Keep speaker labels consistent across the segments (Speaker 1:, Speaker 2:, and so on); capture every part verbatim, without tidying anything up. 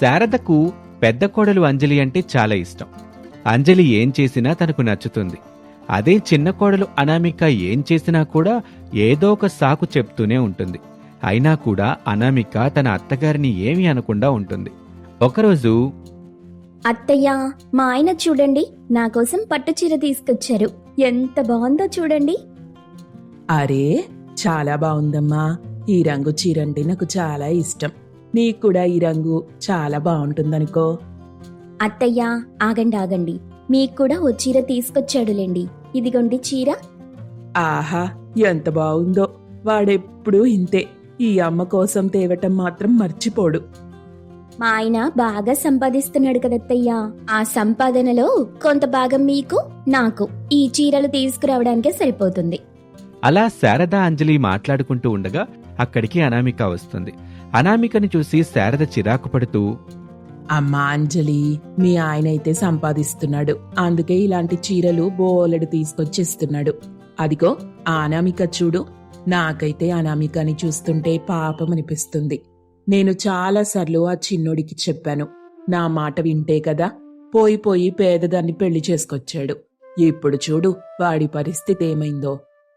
Speaker 1: శారదకు పెద్ద కోడలు అంజలి అంటే చాలా ఇష్టం. అంజలి ఏం చేసినా తనకు నచ్చుతుంది. అదే చిన్న కోడలు అనామిక ఏం చేసినా కూడా ఏదో ఒక సాకు చెప్తూనే ఉంటుంది. అయినా కూడా అనామిక తన అత్తగారిని ఏమీ అనకుండా ఉంటుంది. ఒకరోజు,
Speaker 2: అత్తయ్య, మా ఆయన చూడండి, నా కోసం పట్టుచీర తీసుకొచ్చారు. ఎంత బాగుందో చూడండి.
Speaker 3: అరే, చాలా బాగుందమ్మా. ఈ రంగు చీర అంటే నాకు చాలా ఇష్టం. నీకు కూడా ఈ రంగు చాలా బాగుంటుందనుకో.
Speaker 2: అత్తయ్య, ఆగండి ఆగండి, మీకు కూడా ఓ చీర తీసుకొచ్చాడులేండి. ఇదిగోండి చీర.
Speaker 3: ఆహా, ఎంత బాగుందో. వాడెప్పుడూ ఇంతే. ఈ అమ్మ కోసం తేవటం మాత్రం మర్చిపోడు.
Speaker 2: మా ఆయన బాగా సంపాదిస్తున్నాడు కదత్తయ్య. ఆ సంపాదనలో కొంత భాగం మీకు, నాకు ఈ చీరలు తీసుకురావడానికే సరిపోతుంది.
Speaker 1: అలా శారద అంజలి మాట్లాడుకుంటూ ఉండగా అక్కడికి అనామిక వస్తుంది. అనామికని చూసి శారద చిరాకు పడుతూ,
Speaker 3: అమ్మా అంజలి, మీ ఆయన అయితే సంపాదిస్తున్నాడు, అందుకే ఇలాంటి చీరలు బోలెడు తీసుకొచ్చిస్తున్నాడు. అదిగో ఆ అనామిక చూడు. నాకైతే అనామికని చూస్తుంటే పాపం అనిపిస్తుంది. నేను చాలాసార్లు ఆ చిన్నోడికి చెప్పాను, నా మాట వింటే కదా పోయి పోయి పేదదాన్ని పెళ్లి చేసుకొచ్చాడు. ఇప్పుడు చూడు వాడి పరిస్థితి ఏమైందో.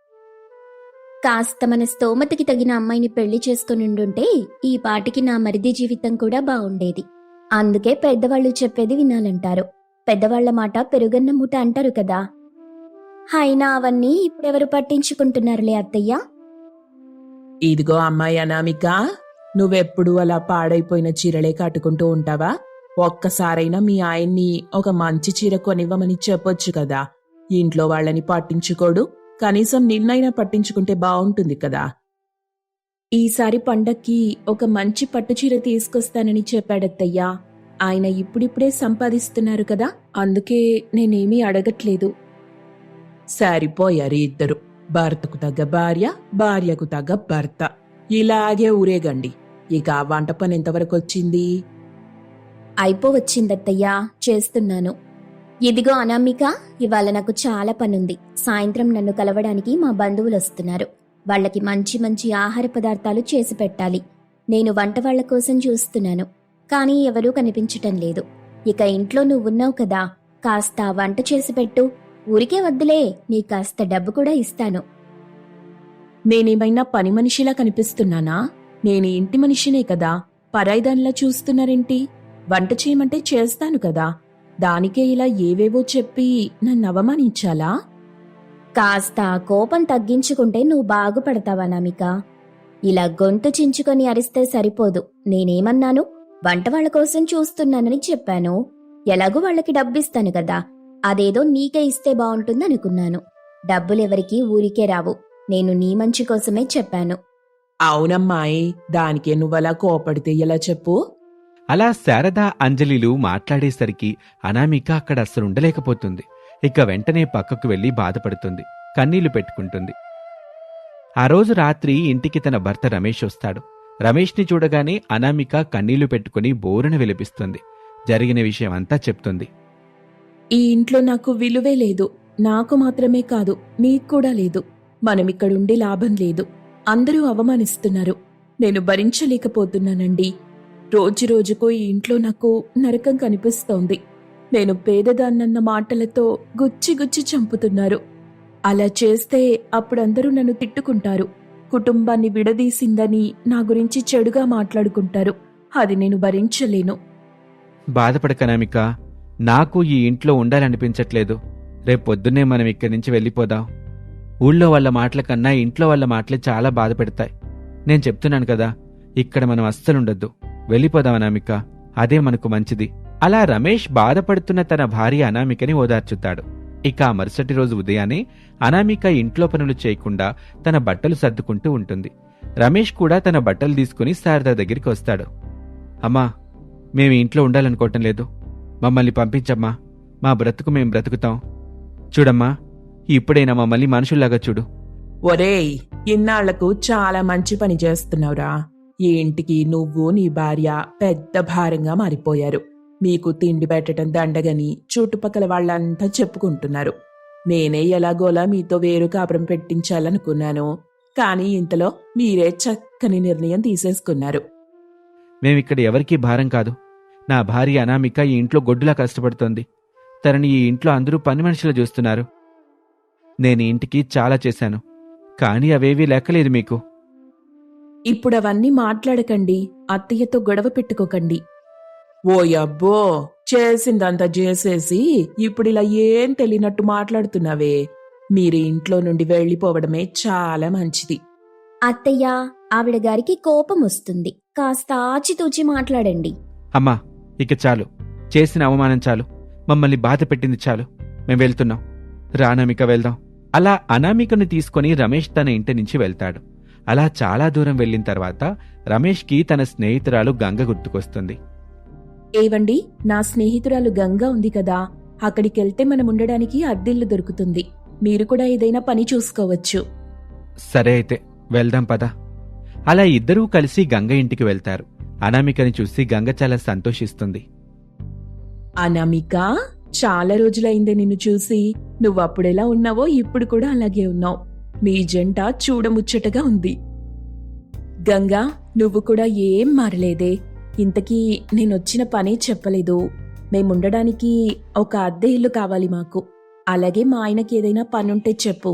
Speaker 2: కాస్త మన స్తోమతకి తగిన అమ్మాయిని పెళ్లి చేసుకునిండుంటే ఈ పాటికి నా మరిది జీవితం కూడా బాగుండేది. అందుకే పెద్దవాళ్లు చెప్పేది వినాలంటారు. పెద్దవాళ్ల మాట పెరుగన్న మూట అంటారు కదా. అయినా అవన్నీ ఇప్పుడెవరు పట్టించుకుంటున్నారులే అత్తయ్య.
Speaker 3: ఇదిగో అమ్మాయి అనామిక, నువ్వెప్పుడు అలా పాడైపోయిన చీరలే కట్టుకుంటూ ఉంటావా? ఒక్కసారైనా మీ ఆయన్ని ఒక మంచి చీర కొనివ్వమని చెప్పొచ్చు కదా. ఇంట్లో వాళ్ళని పట్టించుకోడు, కనీసం నిన్నైనా పట్టించుకుంటే బావుంటుంది కదా. ఈసారి పండక్కి ఒక మంచి పట్టుచీర తీసుకొస్తానని చెప్పాడత్తయ్యా. ఆయన ఇప్పుడిప్పుడే సంపాదిస్తున్నారు కదా, అందుకే నేనేమీ అడగట్లేదు. సరిపోయారు ఇద్దరు. భర్తకు తగ్గ భార్య, భార్యకు తగ్గ భర్త. ఇలాగే ఊరేగండి. ఇక ఆ వంట పని ఎంతవరకు వచ్చింది?
Speaker 2: అయిపోవచ్చిందత్తయ్యా, చేస్తున్నాను. ఇదిగో అనామిక, ఇవాళ నాకు చాలా పనుంది. సాయంత్రం నన్ను కలవడానికి మా బంధువులు వస్తున్నారు. వాళ్లకి మంచి మంచి ఆహార పదార్థాలు చేసి పెట్టాలి. నేను వంట వాళ్ల కోసం చూస్తున్నాను, కానీ ఎవరూ కనిపించటం లేదు. ఇక ఇంట్లో నువ్వున్నావు కదా, కాస్త వంట చేసి పెట్టు. ఊరికే వద్దులే, నీ కాస్త డబ్బు కూడా ఇస్తాను.
Speaker 3: నేనేమైనా పని మనిషిలా కనిపిస్తున్నానా? నేను ఇంటి మనిషినే కదా, పరాయిదానిలా చూస్తున్నారేంటి? వంట చేయమంటే చేస్తాను కదా, దానికే ఇలా ఏవేవో చెప్పి నన్ను అవమానించాలా?
Speaker 2: కాస్త కోపం తగ్గించుకుంటే నువ్వు బాగుపడతావా నామిక? ఇలా గొంతు చించుకొని అరిస్తే సరిపోదు. నేనేమన్నాను? వంట వాళ్ల కోసం చూస్తున్నానని చెప్పాను. ఎలాగూ వాళ్ళకి డబ్బిస్తాను కదా, అదేదో నీకే ఇస్తే బావుంటుందనుకున్నాను. డబ్బులెవరికీ ఊరికే రావు. నేను నీ మంచి కోసమే చెప్పాను.
Speaker 3: అవునమ్మాయి, దానికే నువ్వలా కోపడితే ఎలా చెప్పు?
Speaker 1: అలా శారద అంజలిలు మాట్లాడేసరికి అనామిక అక్కడ అస్సలుండలేకపోతుంది. ఇక వెంటనే పక్కకు వెళ్లి బాధపడుతుంది, కన్నీళ్లు పెట్టుకుంటుంది. ఆ రోజు రాత్రి ఇంటికి తన భర్త రమేష్ వస్తాడు. రమేష్ని చూడగానే అనామిక కన్నీళ్లు పెట్టుకుని బోరున విలపిస్తుంది. జరిగిన విషయం అంతా చెప్తుంది.
Speaker 3: ఈ ఇంట్లో నాకు విలువే లేదు. నాకు మాత్రమే కాదు, నీకు కూడా లేదు. మనమిక్కడుండి లాభం లేదు. అందరూ అవమానిస్తున్నారు. నేను భరించలేకపోతున్నానండి. రోజురోజుకు ఈ ఇంట్లో నాకు నరకం కనిపిస్తోంది. నేను పేదదాన్నన్న మాటలతో గుచ్చి గుచ్చి చంపుతున్నారు. అలా చేస్తే అప్పుడందరూ నన్ను తిట్టుకుంటారు. కుటుంబాన్ని విడదీసిందని నా గురించి చెడుగా మాట్లాడుకుంటారు. అది నేను భరించలేను.
Speaker 1: బాధపడకనామిక, నాకు ఈ ఇంట్లో ఉండాలనిపించట్లేదు. రేపొద్దున్నే మనం ఇక్కడి నుంచి వెళ్ళిపోదాం. ఊళ్ళో వాళ్ళ మాటల కన్నా ఇంట్లో వాళ్ళ మాటలే చాలా బాధ పెడతాయి. నేను చెప్తున్నాను కదా, ఇక్కడ మనం అస్సలుండొద్దు. వెళ్ళిపోదాం అనామిక, అదే మనకు మంచిది. అలా రమేష్ బాధపడుతున్న తన భార్య అనామికని ఓదార్చుతాడు. ఇక ఆ మరుసటి రోజు ఉదయాన్నే అనామిక ఇంట్లో పనులు చేయకుండా తన బట్టలు సర్దుకుంటూ ఉంటుంది. రమేష్ కూడా తన బట్టలు తీసుకుని శారద దగ్గరికి వస్తాడు. అమ్మా, మేము ఇంట్లో ఉండాలనుకోవటం లేదు. మమ్మల్ని పంపించమ్మా. మా బ్రతుకు మేం బ్రతుకుతాం. చూడమ్మా, ఇప్పుడైనా మమ్మల్ని మనుషుల్లాగా చూడు.
Speaker 3: ఒరేయ్, ఇన్నాళ్లకు చాలా మంచి పని చేస్తున్నావురా. ఈ ఇంటికి నువ్వు నీ భార్య పెద్ద భారంగా మారిపోయారు. మీకు తిండి పెట్టడం దండగని చుట్టుపక్కల వాళ్ళంతా చెప్పుకుంటున్నారు. నేనే ఎలాగోలా మీతో వేరు కాపురం పెట్టించాలనుకున్నాను. కానీ ఇంతలో మీరే చక్కని నిర్ణయం తీసేసుకున్నారు.
Speaker 1: మేమిక్కడ ఎవరికీ భారం కాదు. నా భార్య అనామిక ఈ ఇంట్లో గొడ్డులా కష్టపడుతోంది. తనని ఈ ఇంట్లో అందరూ పని మనుషులు చూస్తున్నారు. నేను ఈ ఇంటికి చాలా చేశాను, కానీ అవేవీ లెక్కలేదు మీకు.
Speaker 3: ఇప్పుడు అవన్నీ మాట్లాడకండి, అత్తయ్యతో గొడవ పెట్టుకోకండి. ఓ అబ్బో, చేసిందంతా చేసేసి ఇప్పుడిలా ఏం తెలియనట్టు మాట్లాడుతున్నావే. మీరు ఇంట్లో నుండి వెళ్ళిపోవడమే చాలా మంచిది.
Speaker 2: అత్తయ్య, ఆవిడ గారికి కోపం వస్తుంది. కాస్త ఆచితూచి మాట్లాడండి.
Speaker 1: అమ్మా, ఇక చాలు. చేసిన అవమానం చాలు. మమ్మల్ని బాధ పెట్టింది చాలు. మేం వెళ్తున్నాం. రా అనామిక, వెళ్దాం. అలా అనామికను తీసుకుని రమేష్ తన ఇంటి నుంచి వెళ్తాడు. అలా చాలా దూరం వెళ్ళిన తర్వాత రమేష్కి తన స్నేహితురాలు గంగ గుర్తుకొస్తుంది.
Speaker 3: ఏవండి, నా స్నేహితురాలు గంగా ఉంది కదా, అక్కడికెళ్తే మనం ఉండడానికి అద్దెల్లు దొరుకుతుంది. మీరు కూడా ఏదైనా పని చూసుకోవచ్చు.
Speaker 1: సరే అయితే వెళ్దాం పద. అలా ఇద్దరూ కలిసి గంగ ఇంటికి వెళ్తారు. అనామికని చూసి గంగ చాలా సంతోషిస్తుంది.
Speaker 3: అనామిక, చాలా రోజులైందే నిన్ను చూసి. నువ్వప్పుడెలా ఉన్నావో ఇప్పుడు కూడా అలాగే ఉన్నావు. మీ జంట చూడముచ్చటగా ఉంది. గంగా, నువ్వు కూడా ఏం మారలేదే. ఇంతకీ నేనొచ్చిన పనే చెప్పలేదు. మేముండడానికి ఒక అద్దె ఇల్లు కావాలి మాకు. అలాగే మా ఆయనకి ఏదైనా పనుంటే చెప్పు.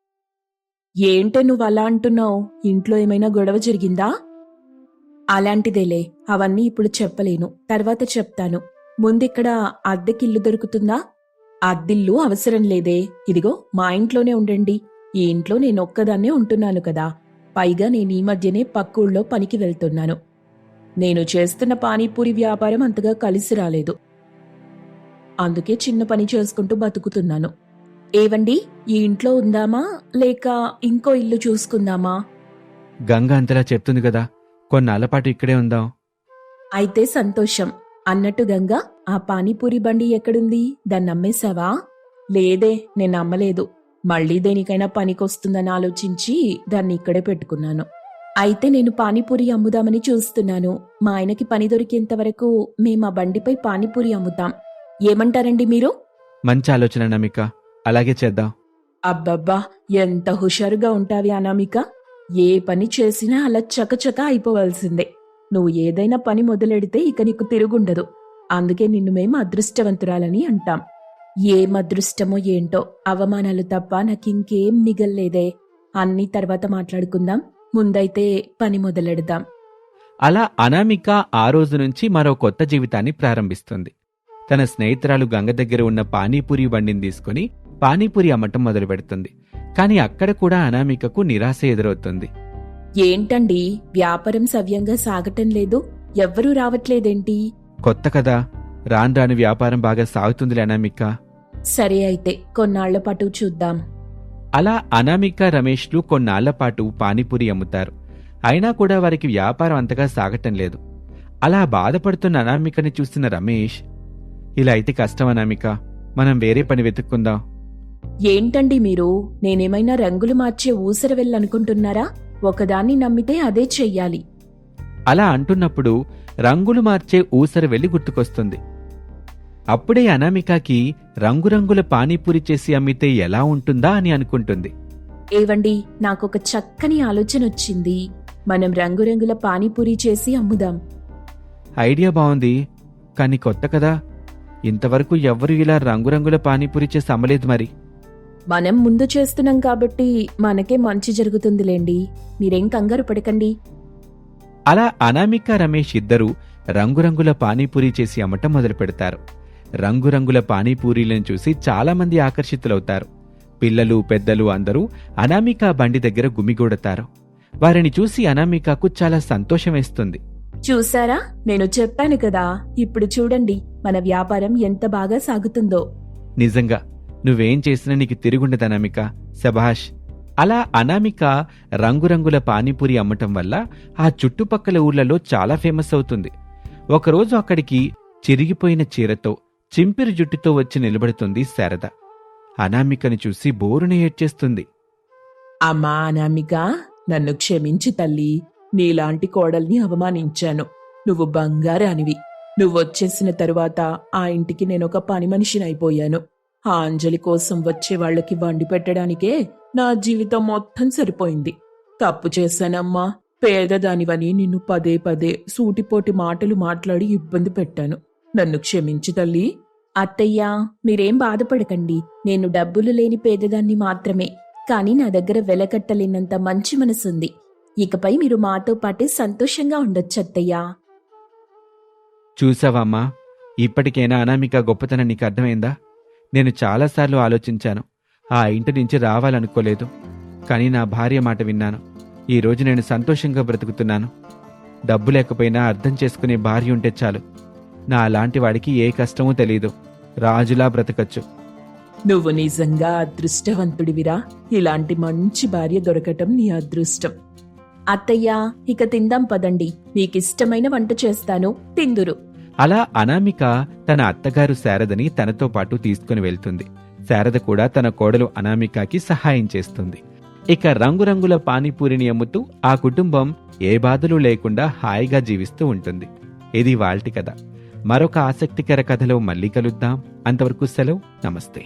Speaker 3: ఏంటే నువ్వు అలా అంటున్నావు? ఇంట్లో ఏమైనా గొడవ జరిగిందా? అలాంటిదేలే, అవన్నీ ఇప్పుడు చెప్పలేను, తర్వాత చెప్తాను. ముందిక్కడ అద్దెకిల్లు దొరుకుతుందా? అద్దిల్లు అవసరం లేదే. ఇదిగో మా ఇంట్లోనే ఉండండి. ఈ ఇంట్లో నేనొక్కదాన్నే ఉంటున్నాను కదా. పైగా నేను ఈ మధ్యనే పక్కూళ్ళో పనికి వెళ్తున్నాను. నేను చేస్తున్న పానీపూరి వ్యాపారం అంతగా కలిసి రాలేదు. అందుకే చిన్న పని చేసుకుంటూ బతుకుతున్నాను. ఏవండి, ఈ ఇంట్లో ఉందామా లేక ఇంకో ఇల్లు చూసుకుందామా?
Speaker 1: గంగ అంతలా చెప్తుంది కదా, కొన్నాళ్లపాటు ఇక్కడే ఉందాం.
Speaker 3: అయితే సంతోషం. అన్నట్టు గంగా, ఆ పానీపూరి బండి ఎక్కడుంది? దాన్ని అమ్మేశావా? లేదే, నేను అమ్మలేదు. మళ్ళీ దేనికైనా పనికొస్తుందని ఆలోచించి దాన్ని ఇక్కడే పెట్టుకున్నాను. అయితే నేను పానీపూరి అమ్ముదామని చూస్తున్నాను. మా ఆయనకి పని దొరికేంత వరకు మేము ఆ బండిపై పానీపూరి అమ్ముతాం. ఏమంటారండి మీరు?
Speaker 1: మంచి ఆలోచన అనామిక, అలాగే చేద్దాం.
Speaker 3: అబ్బబ్బా, ఎంత హుషారుగా ఉంటావి అనామిక. ఏ పని చేసినా అలా చకచక అయిపోవలసిందే. నువ్వు ఏదైనా పని మొదలెడితే ఇక నీకు తిరుగుండదు. అందుకే నిన్ను మేము అదృష్టవంతురాలని అంటాం. ఏం అదృష్టమో ఏంటో, అవమానాలు తప్ప నాకింకేం మిగల్లేదే. అన్నీ తర్వాత మాట్లాడుకుందాం. ముందైతే పని మొదలెడదాం.
Speaker 1: అలా అనామిక ఆ రోజు నుంచి మరో కొత్త జీవితాన్ని ప్రారంభిస్తుంది. తన స్నేహితురాలు గంగ దగ్గర ఉన్న పానీపూరి బండిని తీసుకుని పానీపూరి అమ్మటం మొదలు పెడుతుంది. కాని అక్కడ కూడా అనామికకు నిరాశ ఎదురవుతుంది.
Speaker 3: ఏంటండి, వ్యాపారం సవ్యంగా సాగటం లేదు? ఎవ్వరూ రావట్లేదేంటి?
Speaker 1: కొత్త కదా, రాను రాను వ్యాపారం బాగా సాగుతుందిలే అనామిక.
Speaker 3: సరే అయితే కొన్నాళ్ల పాటు చూద్దాం.
Speaker 1: అలా అనామిక రమేష్లు కొన్నాళ్లపాటు పానీపూరి అమ్ముతారు. అయినా కూడా వారికి వ్యాపారం అంతగా సాగటం లేదు. అలా బాధపడుతున్న అనామికని చూసిన రమేష్, ఇలా అయితే కష్టం అనామిక, మనం వేరే పని వెతుక్కుందాం.
Speaker 3: ఏంటండి మీరు, నేనేమైనా రంగులు మార్చే ఊసర వెళ్ళనుకుంటున్నారా? ఒకదాన్ని నమ్మితే అదే చెయ్యాలి.
Speaker 1: అలా అంటున్నప్పుడు రంగులు మార్చే ఊసర వెళ్లి గుర్తుకొస్తుంది. అప్పుడే అనామికకి రంగురంగుల పానీపూరి చేసి అమ్మితే ఎలా ఉంటుందా అని అనుకుంటుంది.
Speaker 3: ఏవండి, నాకొక చక్కని ఆలోచన వచ్చింది. మనం రంగురంగుల పానీపూరి చేసి అమ్ముదాం.
Speaker 1: ఐడియా బావుంది, కానీ కొత్త కదా. ఇంతవరకు ఎవ్వరూ ఇలా రంగురంగుల పానీపూరి చేసి అమ్మలేదు మరి.
Speaker 3: మనం ముందు చేస్తున్నాం కాబట్టి మనకే మంచి జరుగుతుందిలేండి. మీరేం కంగారు పడకండి.
Speaker 1: అలా అనామిక రమేష్ ఇద్దరూ రంగురంగుల పానీపూరి చేసి అమ్మటం మొదలు పెడతారు. రంగురంగుల పానీపూరీలను చూసి చాలామంది ఆకర్షితులవుతారు. పిల్లలు పెద్దలు అందరూ అనామిక బండి దగ్గర గుమిగూడతారు. వారిని చూసి అనామికకు చాలా సంతోషం వేస్తుంది.
Speaker 3: చూసారా, నేను చెప్పాను కదా. ఇప్పుడు చూడండి మన వ్యాపారం ఎంత బాగా సాగుతుందో.
Speaker 1: నిజంగా నువ్వేం చేసినా నీకు తిరుగుండదు అనామిక, శభాష్. అలా అనామిక రంగురంగుల పానీపూరి అమ్మటం వల్ల ఆ చుట్టుపక్కల ఊర్లలో చాలా ఫేమస్ అవుతుంది. ఒకరోజు అక్కడికి చిరిగిపోయిన చీరతో చింపిరి జుట్టుతో వచ్చి నిలబడుతుంది శారద. అనామికని చూసి బోరున ఏడ్చేస్తుంది.
Speaker 3: అమ్మా అనామిక, నన్ను క్షమించి తల్లి. నీలాంటి కోడల్ని అవమానించాను. నువ్వు బంగారానివి. నువ్వొచ్చేసిన తరువాత ఆ ఇంటికి నేనొక పని మనిషినైపోయాను. ఆ అంజలి కోసం వచ్చే వాళ్లకి వండి పెట్టడానికే నా జీవితం మొత్తం సరిపోయింది. తప్పు చేశానమ్మా. పేదదానివని నిన్ను పదే పదే సూటిపోటి మాటలు మాట్లాడి ఇబ్బంది పెట్టాను. నన్ను క్షమించు తల్లి.
Speaker 2: అత్తయ్యా, మీరేం బాధపడకండి. నేను డబ్బులు లేని పేదదాన్ని మాత్రమే, కానీ నా దగ్గర వెలకట్టలేనంత మంచి మనసుంది. ఇకపై మీరు మాతో పాటే సంతోషంగా ఉండొచ్చు అత్తయ్యా.
Speaker 1: చూసావమ్మా, ఇప్పటికైనా అనామిక గొప్పతనం నీకు అర్థమైందా? నేను చాలాసార్లు ఆలోచించాను, ఆ ఇంటి నుంచి రావాలనుకోలేదు. కానీ నా భార్య మాట విన్నాను. ఈరోజు నేను సంతోషంగా బ్రతుకుతున్నాను. డబ్బు లేకపోయినా అర్థం చేసుకునే భార్య ఉంటే చాలు. నా అలాంటి వాడికి ఏ కష్టమూ తెలీదు, రాజులా బ్రతకచ్చు.
Speaker 3: నువ్వు నిజంగా అదృష్టవంతుడివిరా. ఇలాంటి మంచి భార్య దొరకటం నీ అదృష్టం.
Speaker 2: అత్తయ్యా, ఇక తిందాం పదండి. మీకిష్టమైన వంట చేస్తాను, తిందురు.
Speaker 1: అలా అనామిక తన అత్తగారు శారదని తనతో పాటు తీసుకుని వెళ్తుంది. శారద కూడా తన కోడలు అనామికకి సహాయం చేస్తుంది. ఇక రంగురంగుల పానీపూరిని అమ్ముతూ ఆ కుటుంబం ఏ బాధలు లేకుండా హాయిగా జీవిస్తూ ఉంటుంది. ఇది వాల్టి కథ. మరొక ఆసక్తికర కథలో మళ్ళీ కలుద్దాం. అంతవరకు సెలవు, నమస్తే.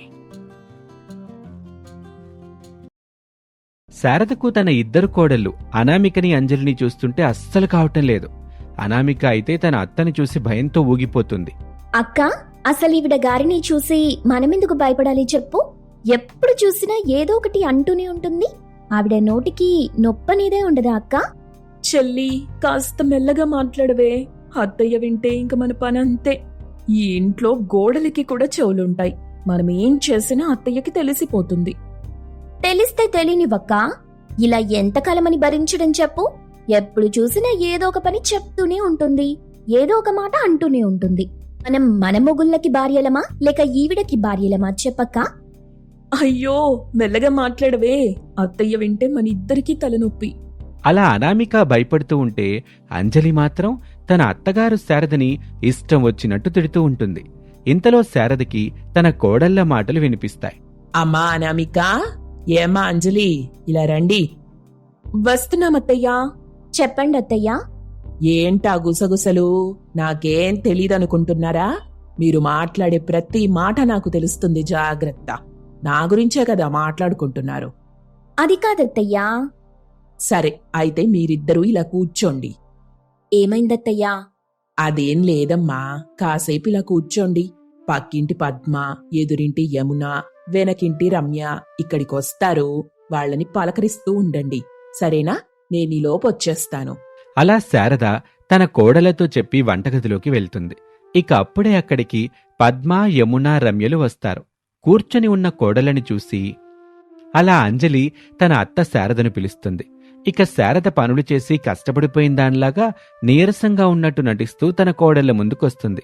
Speaker 1: శారదకు తన ఇద్దరు కోడళ్ళు అనామికని అంజలిని చూస్తుంటే అస్సలు కావటం లేదు. అనామిక అయితే తన అత్తని చూసి భయంతో ఊగిపోతుంది.
Speaker 2: అక్క, అసలు ఈవిడ గారిని చూసి మనమెందుకు భయపడాలి చెప్పు? ఎప్పుడు చూసినా ఏదో ఒకటి అంటూనే ఉంటుంది. ఆవిడ నోటికి నొప్పనేదే ఉండదా అక్క?
Speaker 3: చెల్లి, కాస్త మెల్లగా మాట్లాడవే. అత్తయ్య వింటే ఇంక మన పని అంతే. ఈ ఇంట్లో గోడలకి కూడా చెవులుంటాయి. మనం ఏం చేసినా అత్తయ్యకి తెలిసిపోతుంది.
Speaker 2: తెలిస్తే తెలియనివక్క. ఇలా ఎంతకాలమని భరించడం చెప్పు? ఎప్పుడు చూసినా ఏదో ఒక పని చెప్తూనే ఉంటుంది, ఏదో ఒక మాట అంటూనే ఉంటుంది. మనం మన మొగుళ్ళకి భార్యలమా లేక ఈవిడకి భార్యలమా చెప్పక్క?
Speaker 3: అయ్యో, మెల్లగా మాట్లాడవే. అత్తయ్య వింటే మన ఇద్దరికీ తలనొప్పి.
Speaker 1: అలా అనామిక భయపడుతూ ఉంటే అంజలి మాత్రం తన అత్తగారు శారదని ఇష్టం వచ్చినట్టు తిడుతూ ఉంటుంది. ఇంతలో శారదకి తన కోడళ్ల మాటలు వినిపిస్తాయి.
Speaker 3: అమ్మా అనామిక, ఏమ్మా అంజలి, ఇలా రండి. వస్తున్నామత్తయ్యా.
Speaker 2: చెప్పండి అత్తయ్యా.
Speaker 3: ఏంటా గుసగుసలు? నాకేం తెలీదనుకుంటున్నారా? మీరు మాట్లాడే ప్రతి మాట నాకు తెలుస్తుంది. జాగ్రత్త. నా గురించే కదా మాట్లాడుకుంటున్నారు.
Speaker 2: అది కాదత్తయ్యా.
Speaker 3: సరే, అయితే మీరిద్దరూ ఇలా కూర్చోండి.
Speaker 2: ఏమైందత్తయ్యా?
Speaker 3: అదేం లేదమ్మా, కాసేపు ఇలా కూర్చోండి. పక్కింటి పద్మ, ఎదురింటి యమున, వెనకింటి రమ్య ఇక్కడికొస్తారు. వాళ్ళని పలకరిస్తూ ఉండండి, సరేనా? నేనీలోపొచ్చేస్తాను.
Speaker 1: అలా శారద తన కోడలతో చెప్పి వంటగదిలోకి వెళ్తుంది. ఇక అప్పుడే అక్కడికి పద్మ, యమున, రమ్యలు వస్తారు. కూర్చొని ఉన్న కోడలని చూసి అలా అంజలి తన అత్త శారదను పిలుస్తుంది. ఇక శారద పనులు చేసి కష్టపడిపోయిన దానిలాగా నీరసంగా ఉన్నట్టు నటిస్తూ తన కోడళ్ల ముందుకొస్తుంది.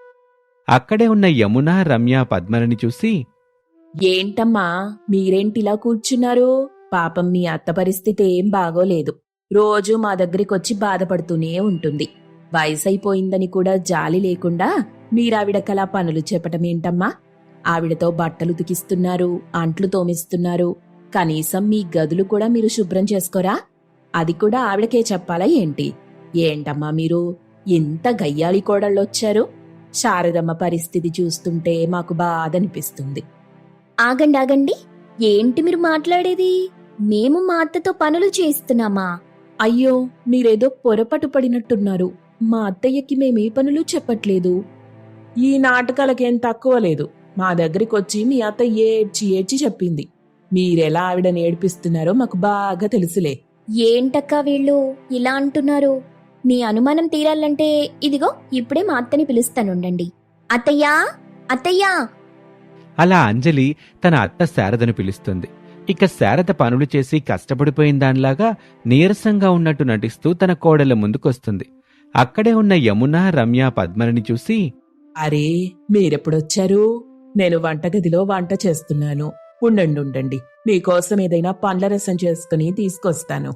Speaker 1: అక్కడే ఉన్న యమున, రమ్య, పద్మలని చూసి,
Speaker 2: ఏంటమ్మా మీరేంటిలా కూర్చున్నారు? పాపం మీ అత్త పరిస్థితి ఏం బాగోలేదు. రోజూ మా దగ్గరికొచ్చి బాధపడుతూనే ఉంటుంది. వయసైపోయిందని కూడా జాలి లేకుండా మీరావిడకలా పనులు చెప్పటమేంటమ్మా? ఆవిడతో బట్టలు ఉతికిస్తున్నారు, అంట్లు తోమిస్తున్నారు. కనీసం మీ గదులు కూడా మీరు శుభ్రం చేసుకోరా? అది కూడా ఆవిడకే చెప్పాలా ఏంటి? ఏంటమ్మా మీరు ఇంత గయ్యాళి కోడళ్ళొచ్చారు? శారదమ్మ పరిస్థితి చూస్తుంటే మాకు బాధనిపిస్తుంది. ఆగండి ఆగండి, ఏంటి మీరు మాట్లాడేది? మేము మా అత్తతో పనులు చేయిస్తున్నామా?
Speaker 3: అయ్యో, మీరేదో పొరపాటు పడినట్టున్నారు. మా అత్తయ్యకి మేమే పనులు చెప్పట్లేదు. ఈ నాటకాలకేం తక్కువ లేదు. మా దగ్గరికొచ్చి మీ అత్త ఏడ్చి ఏడ్చి చెప్పింది. మీరెలా ఆవిడని ఏడిపిస్తున్నారో మాకు బాగా తెలుసులే.
Speaker 2: ఏంటక్కా వీళ్ళు ఇలా అంటున్నారు? మీ అనుమానం తీరాలంటే ఇదిగో ఇప్పుడే మా అత్తని పిలుస్తానుండండి. అత్తయ్యా, అత్తయ్యా.
Speaker 1: అలా అంజలి తన అత్త శారదను పిలుస్తుంది. ఇక శారద పనులు చేసి కష్టపడిపోయిన దానిలాగా నీరసంగా ఉన్నట్టు నటిస్తూ తన కోడళ్ల ముందుకొస్తుంది. అక్కడే ఉన్న యమున, రమ్య, పద్మని చూసి,
Speaker 3: అరే మీరెప్పుడొచ్చారు? నేను వంటగదిలో వంట చేస్తున్నాను. ఉండండి ఉండండి, మీకోసం ఏదైనా పండ్ల రసం చేసుకుని తీసుకొస్తాను.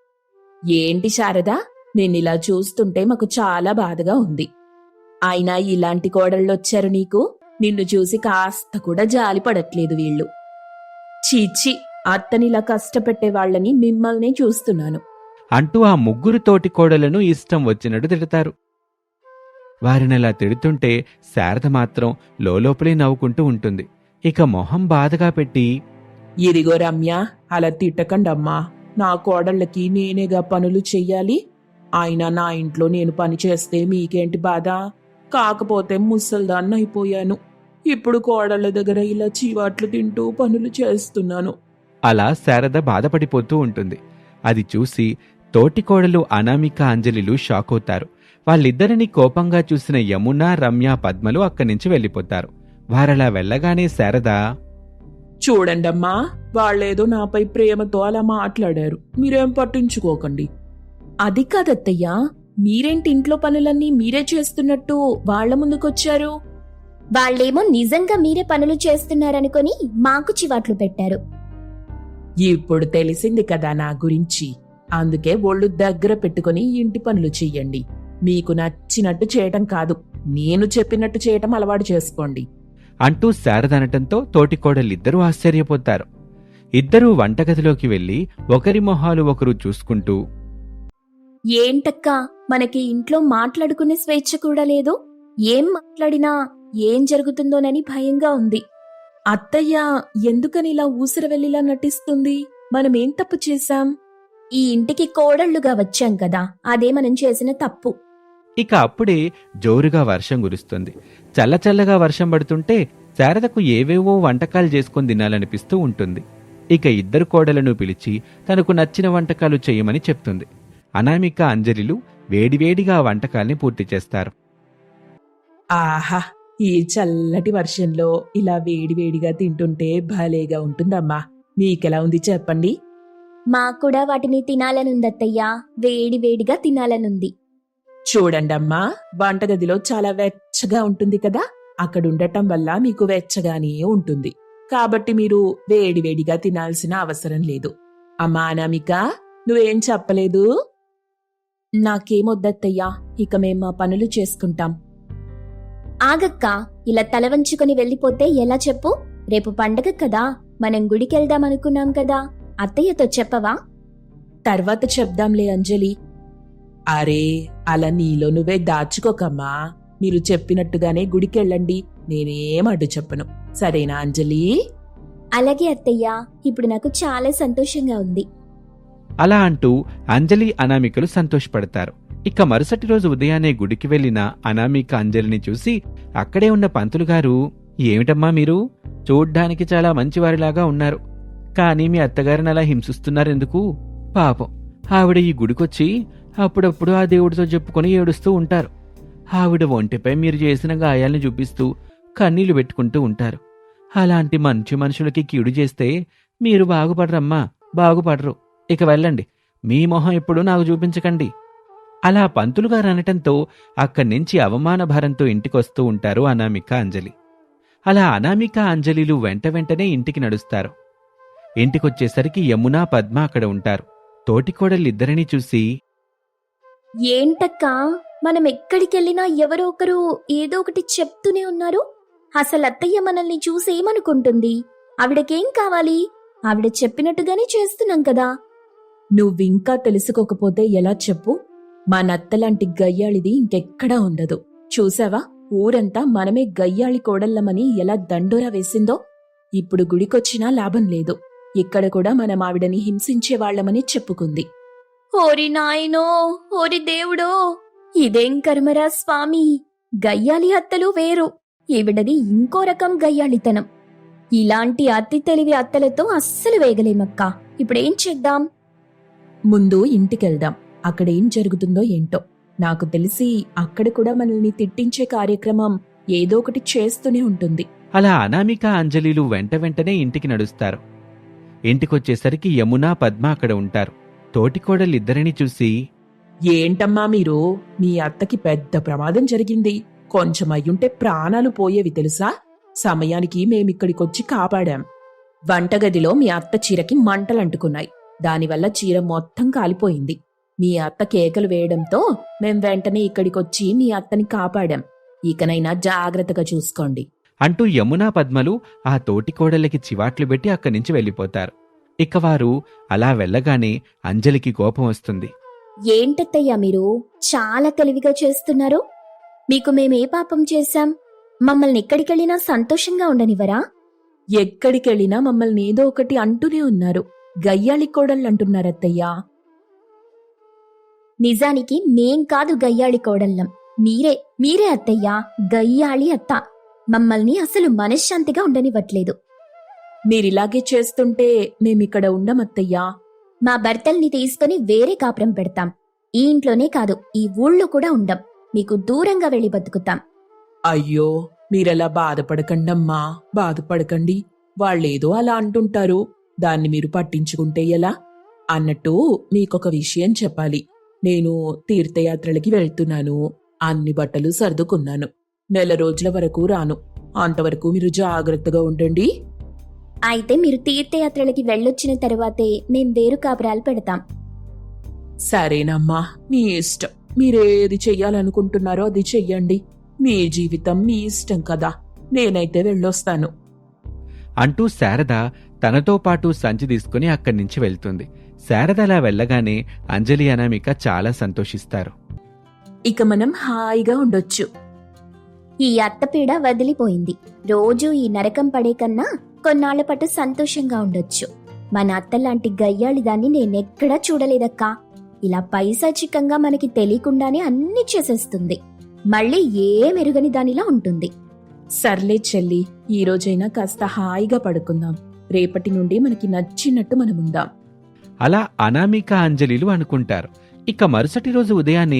Speaker 2: ఏంటి శారదా, నిన్నిలా చూస్తుంటే మాకు చాలా బాధగా ఉంది. అయినా ఇలాంటి కోడళ్ళొచ్చారు నీకు? నిన్ను చూసి కాస్త కూడా జాలి పడట్లేదు వీళ్ళు. చీచి, అత్తనిలా కష్టపెట్టే వాళ్ళని మిమ్మల్నే చూస్తున్నాను
Speaker 1: అంటూ ఆ ముగ్గురు తోటి కోడలను ఇష్టం వచ్చినట్టు తిడతారు. వారినలా తిడుతుంటే శారద మాత్రం లోలోపలే నవ్వుకుంటూ ఉంటుంది. ఇక మొహం బాధగా పెట్టి,
Speaker 3: ఇదిగో రమ్య, అలా తిట్టకండమ్మా. నా కోడళ్ళకి నేనేగా పనులు చెయ్యాలి. అయినా నా ఇంట్లో నేను పని చేస్తే మీకేంటి బాధ? కాకపోతే ముసల్దాన్ని అయిపోయాను. ఇప్పుడు కోడళ్ళ దగ్గర ఇలా చీవాట్లు తింటూ పనులు చేస్తున్నాను.
Speaker 1: అలా శారద బాధపడిపోతూ ఉంటుంది. అది చూసి తోటికోడలు అనామిక అంజలిలు షాక్ అవుతారు. వాళ్ళిద్దరినీ కోపంగా చూసిన యమున, రమ్య, పద్మలు అక్కడి నుంచి వెళ్ళిపోతారు. వారలా వెళ్ళగానే శారద,
Speaker 3: చూడండమ్మా, వాళ్ళేదో నాపై ప్రేమతో అలా మాట్లాడారు, మీరేం పట్టించుకోకండి. అది కాదత్తయ్యా, మీరేంటి ఇంట్లో పనులన్నీ మీరే చేస్తున్నట్టు వాళ్ల ముందుకొచ్చారు?
Speaker 2: వాళ్ళేమో నిజంగా మీరే పనులు చేస్తున్నారనుకొని మాకు చివాట్లు పెట్టారు.
Speaker 3: ఇప్పుడు తెలిసింది కదా నా గురించి. అందుకే ఒళ్ళు దగ్గర పెట్టుకుని ఇంటి పనులు చెయ్యండి. మీకు నచ్చినట్టు చేయటం కాదు, నేను చెప్పినట్టు చేయటం అలవాటు చేసుకోండి
Speaker 1: అంటూ శారద అనటంతో తోటికోడలిద్దరూ ఆశ్చర్యపోతారు. ఇద్దరూ వంటగదిలోకి వెళ్లి ఒకరి మొహాలు ఒకరు చూసుకుంటూ,
Speaker 2: ఏంటక్కా, మనకి ఇంట్లో మాట్లాడుకునే స్వేచ్ఛ కూడా లేదు. ఏం మాట్లాడినా ఏం జరుగుతుందోనని భయంగా ఉంది.
Speaker 3: అత్తయ్య ఎందుకని ఇలా ఊసరవెల్లిలా నటిస్తుంది? మనమేం తప్పు చేశాం?
Speaker 2: ఈ ఇంటికి కోడళ్లుగా వచ్చాం కదా, అదే మనం చేసిన తప్పు.
Speaker 1: ఇక అప్పుడే జోరుగా వర్షం కురుస్తుంది. చల్లచల్లగా వర్షం పడుతుంటే శారదకు ఏవేవో వంటకాలు చేసుకుని తినాలనిపిస్తూ ఉంటుంది. ఇక ఇద్దరు కోడలను పిలిచి తనకు నచ్చిన వంటకాలు చేయమని చెప్తుంది. అనామిక, అంజలిలు వేడివేడిగా ఆ వంటకాల్ని పూర్తి చేస్తారు.
Speaker 3: ఆహా, ఈ చల్లటి వర్షంలో ఇలా వేడివేడిగా తింటుంటే భలేగా ఉంటుందమ్మా. మీకెలా ఉంది చెప్పండి?
Speaker 2: మాకూడా వాటిని తినాలనుందత్తయ్యా, వేడి వేడిగా తినాలనుంది.
Speaker 3: చూడండమ్మా, వంటగదిలో చాలా వెచ్చగా ఉంటుంది కదా, అక్కడుండటం వల్ల మీకు వెచ్చగానే ఉంటుంది. కాబట్టి మీరు వేడివేడిగా తినాల్సిన అవసరం లేదు. అమ్మా అనామిక, నువ్వేం చెప్పలేదు?
Speaker 2: నాకేమొద్దత్తయ్యా, ఇక మేం మా పనులు చేసుకుంటాం. ఆగక్క, ఇలా తల వంచుకొని వెళ్ళిపోతే ఎలా చెప్పు? రేపు పండగ కదా, మనం గుడికెళ్దామనుకున్నాం కదా, అత్తయ్యతో చెప్పవా?
Speaker 3: తర్వాత చెప్దాంలే అంజలి. అరే, అలా నీలో నువ్వే దాచుకోకమ్మా. మీరు చెప్పినట్టుగానే గుడికెళ్ళండి, నేనేం అడ్డు చెప్పను. సరేనా అంజలి?
Speaker 2: అలాగే అత్తయ్యా, ఇప్పుడు నాకు చాలా సంతోషంగా ఉంది.
Speaker 1: అలా అంటూ అంజలి, అనామికలు సంతోషపడతారు. ఇక మరుసటి రోజు ఉదయాన్నే గుడికి వెళ్లిన అనామిక అంజలిని చూసి అక్కడే ఉన్న పంతులుగారు, ఏమిటమ్మా మీరు చూడ్డానికి చాలా మంచివారిలాగా ఉన్నారు, కానీ మీ అత్తగారిని అలా హింసిస్తున్నారెందుకు? పాపం, ఆవిడ ఈ గుడికొచ్చి అప్పుడప్పుడు ఆ దేవుడితో చెప్పుకొని ఏడుస్తూ ఉంటారు. ఆవిడ ఒంటిపై మీరు చేసిన గాయాల్ని చూపిస్తూ కన్నీళ్లు పెట్టుకుంటూ ఉంటారు. అలాంటి మంచి మనుషులకి కీడు చేస్తే మీరు బాగుపడరమ్మా, బాగుపడరు. ఇక వెళ్ళండి, మీ మొహం ఎప్పుడు నాకు చూపించకండి. అలా పంతులుగారు అనటంతో అక్కడి నుంచి అవమాన భారంతో ఇంటికొస్తూ ఉంటారు అనామిక, అంజలి. అలా అనామిక, అంజలిలు వెంట వెంటనే ఇంటికి నడుస్తారు. ఇంటికొచ్చేసరికి యమున, పద్మ అక్కడ ఉంటారు. తోటికోడలిద్దరినీ చూసి,
Speaker 2: ఏంటక్కా, మనం ఎక్కడికెళ్ళినా ఎవరో ఒకరు ఏదో ఒకటి చెప్తూనే ఉన్నారు. అసలు అత్తయ్య మనల్ని చూసేమనుకుంటుంది? ఆవిడకేం కావాలి? ఆవిడ చెప్పినట్టుగానే చేస్తున్నాం కదా.
Speaker 3: నువ్వింకా తెలుసుకోకపోతే ఎలా చెప్పు? మా నత్తలాంటి గయ్యాళిది ఇంకెక్కడా ఉండదు. చూసావా, ఊరంతా మనమే గయ్యాళి కోడళ్ళమని ఎలా దండోరా వేసిందో. ఇప్పుడు గుడికొచ్చినా లాభం లేదు, ఇక్కడ కూడా మనం ఆవిడని హింసించేవాళ్లమని చెప్పుకుంది.
Speaker 2: ఓరి నాయనో, ఓరి దేవుడో, ఇదేం కర్మరా స్వామి. గయ్యాలి అత్తలు వేరు, ఈవిడది ఇంకో రకం గయ్యాళితనం. ఇలాంటి అతి తెలివి అత్తలతో అస్సలు వేగలేమక్కా. ఇప్పుడేం చేద్దాం?
Speaker 3: ముందు ఇంటికెళ్దాం, అక్కడేం జరుగుతుందో ఏంటో. నాకు తెలిసి అక్కడ కూడా మనల్ని తిట్టించే కార్యక్రమం ఏదో ఒకటి చేస్తూనే ఉంటుంది.
Speaker 1: అలా అనామిక, అంజలిలు వెంట వెంటనే ఇంటికి నడుస్తారు. ఇంటికొచ్చేసరికి యమున, పద్మ అక్కడ ఉంటారు. తోటికోడలిద్దరినీ చూసి,
Speaker 3: ఏంటమ్మా మీరు, మీ అత్తకి పెద్ద ప్రమాదం జరిగింది. కొంచెం అయ్యుంటే ప్రాణాలు పోయేవి తెలుసా? సమయానికి మేమిక్కడికొచ్చి కాపాడాం. వంటగదిలో మీ అత్త చీరకి మంటలంటుకున్నాయి, దానివల్ల చీర మొత్తం కాలిపోయింది. మీ అత్త కేకలు వేయడంతో మేం వెంటనే ఇక్కడికొచ్చి మీ అత్తని కాపాడాం. ఇకనైనా జాగ్రత్తగా చూసుకోండి
Speaker 1: అంటూ యమున, పద్మలు ఆ తోటికోడలికి చివాట్లు పెట్టి అక్కడి నుంచి వెళ్ళిపోతారు. ఇక వారు అలా వెళ్ళగానే అంజలికి కోపం వస్తుంది.
Speaker 2: ఏంటత్తయ్యా మీరు చాలా తెలివిగా చేస్తున్నారు? మీకు మేమే పాపం చేశాం? మమ్మల్ని ఎక్కడికెళ్ళినా సంతోషంగా ఉండనివ్వరా?
Speaker 3: ఎక్కడికెళ్ళినా మమ్మల్ని ఏదో ఒకటి అంటూనే ఉన్నారు. గయ్యాళి కోడళ్ళంటున్నారత్తయ్యా.
Speaker 2: నిజానికి మేం కాదు గయ్యాళి కోడళ్ళం, మీరే మీరే అత్తయ్యా, గయ్యాళి అత్త. మమ్మల్ని అసలు మనశ్శాంతిగా ఉండనివ్వట్లేదు.
Speaker 3: మీరిలాగే చేస్తుంటే మేమిక్కడ ఉండమత్తయ్యా.
Speaker 2: మా భర్తల్ని తీసుకుని వేరే కాపురం పెడతాం. ఈ ఇంట్లోనే కాదు, ఈ ఊళ్ళో కూడా ఉండం. మీకు దూరంగా వెళ్ళి బతుకుతాం.
Speaker 3: అయ్యో, మీరలా బాధపడకండమ్మా, బాధపడకండి. వాళ్ళేదో అలా అంటుంటారు, దాన్ని మీరు పట్టించుకుంటే ఎలా? అన్నట్టు మీకొక విషయం చెప్పాలి. నేను తీర్థయాత్రలకి వెళ్తున్నాను. అన్ని బట్టలు సర్దుకున్నాను. నెల రోజుల వరకు రాను. అంతవరకు మీరు జాగ్రత్తగా ఉండండి.
Speaker 2: అయితే మీరు తీర్థయాత్రలకి వెళ్ళొచ్చిన తరువాతే మేం వేరు కాపురాలు పెడతాం.
Speaker 3: సరేనమ్మా, మీ ఇష్టం. మీరేది చెయ్యాలనుకుంటున్నారో అది చెయ్యండి. మీ జీవితం మీ ఇష్టం కదా. నేనైతే వెళ్ళొస్తాను
Speaker 1: అంటూ శారద తనతో పాటు సంచి తీసుకుని అక్కడి నుంచి వెళ్తుంది. శారద అలా వెళ్ళగానే అంజలి అనామిక చాలా సంతోషిస్తారు.
Speaker 3: ఇక మనం హాయిగా ఉండొచ్చు.
Speaker 2: ఈ అత్తపీడ వదిలిపోయింది. రోజూ ఈ నరకం పడే కన్నా కొన్నాళ్ల పాటు సంతోషంగా ఉండొచ్చు. మన అత్తలాంటి గయ్యాళి దాన్ని నేనెక్కడా చూడలేదక్కా. ఇలా పైశాచికంగా మనకి తెలియకుండానే అన్ని చేసేస్తుంది. మళ్ళీ ఏ మెరుగని దానిలా ఉంటుంది.
Speaker 3: సర్లే చెల్లి, ఈ రోజైనా కాస్త హాయిగా పడుకుందాం. రేపటి నుండి మనకి నచ్చినట్టు మనముందాం.
Speaker 1: అలా అనామిక అంజలిలు అనుకుంటారు. ఇక మరుసటి రోజు ఉదయాన్నే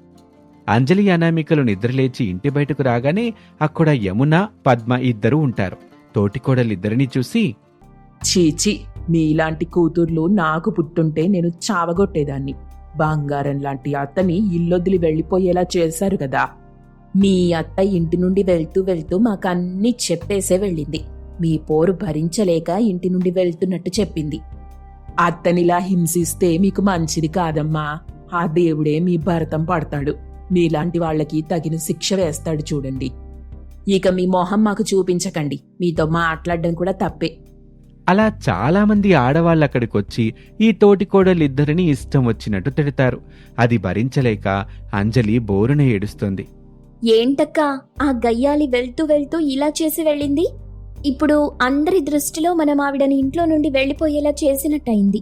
Speaker 1: అంజలి అనామికలు నిద్రలేచి ఇంటి బయటకు రాగానే అక్కడ యమున, పద్మ ఇద్దరూ ఉంటారు. తోటికోడలిద్దరినీ చూసి,
Speaker 3: చీచి, మీలాంటి కూతుర్లు నాకు పుట్టుంటే నేను చావగొట్టేదాన్ని. బంగారం లాంటి అత్తని ఇల్లొదిలి వెళ్లిపోయేలా చేశారు కదా. మీ అత్త ఇంటి నుండి వెళ్తూ వెళ్తూ మాకన్నీ చెప్పేసే వెళ్ళింది. మీ పోరు భరించలేక ఇంటి నుండి వెళ్తున్నట్టు చెప్పింది. అత్తనిలా హింసిస్తే మీకు మంచిది కాదమ్మా. ఆ దేవుడే మీ భరతం పడతాడు. మీలాంటి వాళ్ళకి తగిన శిక్ష వేస్తాడు చూడండి. ఇక మీ మొహం మాకు చూపించకండి. మీతో మాట్లాడడం కూడా తప్పే.
Speaker 1: అలా చాలామంది ఆడవాళ్ళక్కడికొచ్చి ఈ తోటికోడలిద్దరినీ ఇష్టం వచ్చినట్టు తిడతారు. అది భరించలేక అంజలి బోరున ఏడుస్తుంది.
Speaker 2: ఏంటక్కా, ఆ గయ్యాలి వెళ్తూ వెళ్తూ ఇలా చేసి వెళ్ళింది? ఇప్పుడు అందరి దృష్టిలో మనం ఆవిడని ఇంట్లో నుండి వెళ్లిపోయేలా చేసినట్టయింది.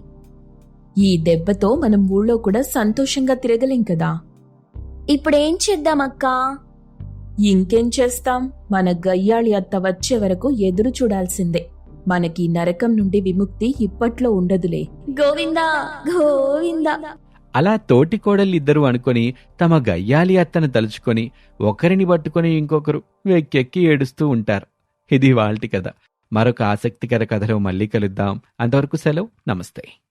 Speaker 3: ఈ దెబ్బతో మనం ఊళ్ళో కూడా సంతోషంగా తిరగలేం కదా.
Speaker 2: ఇప్పుడేం చేద్దామక్కా?
Speaker 3: ఇంకేం చేస్తాం? మన గయ్యాళి అత్త వచ్చే వరకు ఎదురు చూడాల్సిందే. మనకి నరకం నుండి విముక్తి ఇప్పట్లో ఉండదులే.
Speaker 2: గోవిందా గోవిందా.
Speaker 1: అలా తోటికోడలిద్దరూ అనుకొని తమ గయ్యాలి అత్తను తలుచుకొని ఒకరిని పట్టుకొని ఇంకొకరు వెక్కెక్కి ఏడుస్తూ ఉంటారు. ఇది వాళ్ళటి కథ. మరొక ఆసక్తికర కథలో మళ్ళీ కలుద్దాం. అంతవరకు సెలవు. నమస్తే.